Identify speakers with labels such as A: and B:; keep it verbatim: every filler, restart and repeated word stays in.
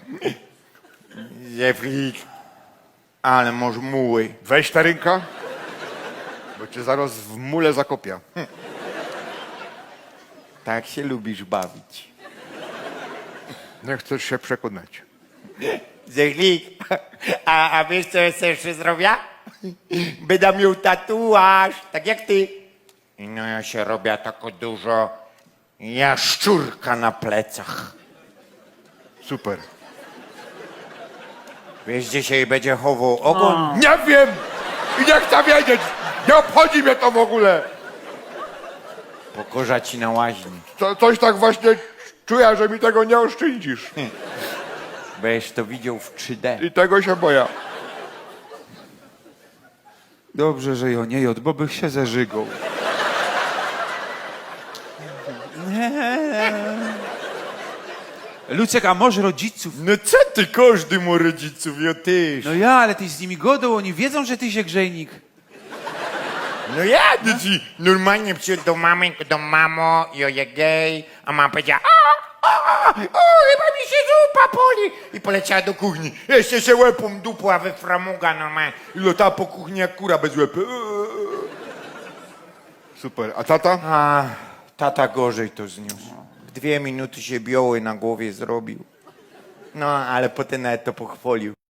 A: Zeflik, ale masz muły.
B: Weź ta ręka, bo cię zaraz w mule zakopia. Hm.
A: Tak się lubisz bawić.
B: Nie chcesz się przekonać.
A: Zeflik, a, a wiesz co jest jeszcze zrobię? Będę miał tatuaż, tak jak ty. I no ja się robię tako dużo jaszczurka na plecach.
B: Super.
A: Wiesz, gdzie się jej będzie chował ogon?
B: Nie wiem i nie chcę wiedzieć. Nie obchodzi mnie to w ogóle.
A: Pokorza ci na łaźni.
B: Co, coś tak właśnie czuję, że mi tego nie oszczędzisz.
A: Będziesz to widział w trzy D.
B: I tego się boję.
C: Dobrze, że ja nie jod, bo bych się zażygał. Lucek, a może rodziców?
A: No co ty, każdy ma rodziców, ja też.
C: No ja, ale ty z nimi godą, oni wiedzą, że ty się grzejnik.
A: No ja do ci normalnie przyszedł do mamy, do mamo, ja je gej, a mama powiedziała, a, a, a, o, chyba mi się zupa poli. I poleciała do kuchni. Jeszcze się łepą dupła we framuga normalnie. I lotała po kuchni jak kura bez łepy.
B: Super. A tata?
A: A, tata gorzej to zniósł. W dwie minuty się bioły na głowie zrobił. No, ale potem nawet to pochwalił.